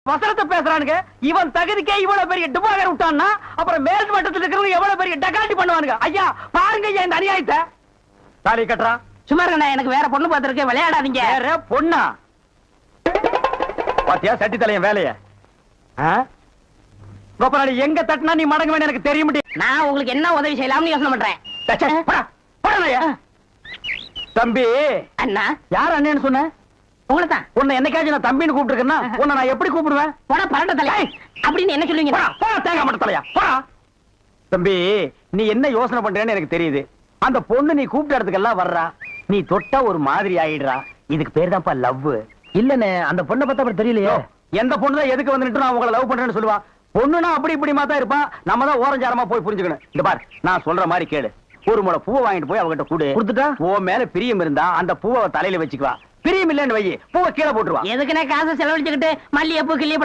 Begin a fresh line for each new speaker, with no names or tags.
வசனத்தை பேசுறானுங்க. இவன் தகுதிக்கே இவ்வளவு பெரிய டிபாகர் விட்டான்னா அப்புறம் மேல் மட்டத்தில் இருக்கிறவங்க எவ்வளவு பெரிய டகாட்டி பண்ணுவானுங்க. ஐயா பாருங்க ஐயா இந்த அநியாயத்தை. தாலி கட்டுறா.
சும்மா இருங்க, எனக்கு வேற பொண்ணு பார்த்திருக்கேன், விளையாடாதீங்க.
வேற பொண்ணா? பாத்தியா சட்டி தலையன் வேலைய? கோபாலி எங்க தட்டினா நீ மடங்க வேணும் எனக்கு தெரியும்.
நான் உங்களுக்கு என்ன உதவி செய்யலாம்னு யோசனை பண்றேன்.
தம்பி.
அண்ணா.
யார் அண்ணன்னு சொன்ன?
உங்களைத்தான்.
உன்னை என்னைக்காச்சும் நான் தம்பின்னு கூப்பிட்டுருக்கேன்னா உன்னை நான் எப்படி கூப்பிடுவேன்?
போடா பரட்ட தலை அப்படின்னு என்ன சொல்லுவீங்க?
தேங்காய் மட்ட தலையா போடா. தம்பி நீ என்ன யோசனை பண்றேன்னு எனக்கு தெரியுது. அந்த பொண்ணு நீ கூப்பிட்ட இடத்துக்கெல்லாம் வர்றா, நீ தொட்டா ஒரு மாதிரி ஆயிடுறா. இதுக்கு பேர் தான்ப்பா லவ். இல்லன்னு அந்த பொண்ணை பத்தி அப்புறம் தெரியலையோ. எந்த பொண்ணு தான் எதுக்கு வந்துட்டு நான் உங்களை லவ் பண்றேன்னு சொல்லுவா. பொண்ணுனா அப்படி இப்படிமா தான் இருப்பான். நம்ம தான் ஓரஞ்சாரமா போய் புரிஞ்சுக்கணும். இந்த பார் நான் சொல்ற மாதிரி கேளு. ஒரு முளை பூவை வாங்கிட்டு போய் அவகிட்ட கூடு. கொடுத்துட்டா உன் மேல பிரியம் இருந்தா அந்த பூவை தலையில வச்சுக்குவா. பிரியம் இல்லன்னு வை, பூவை கீழே போட்டுருவா.
எதுக்குன்னு காசை செலவழிச்சுக்கிட்டு மல்லிகைப்பூ கிள்ளி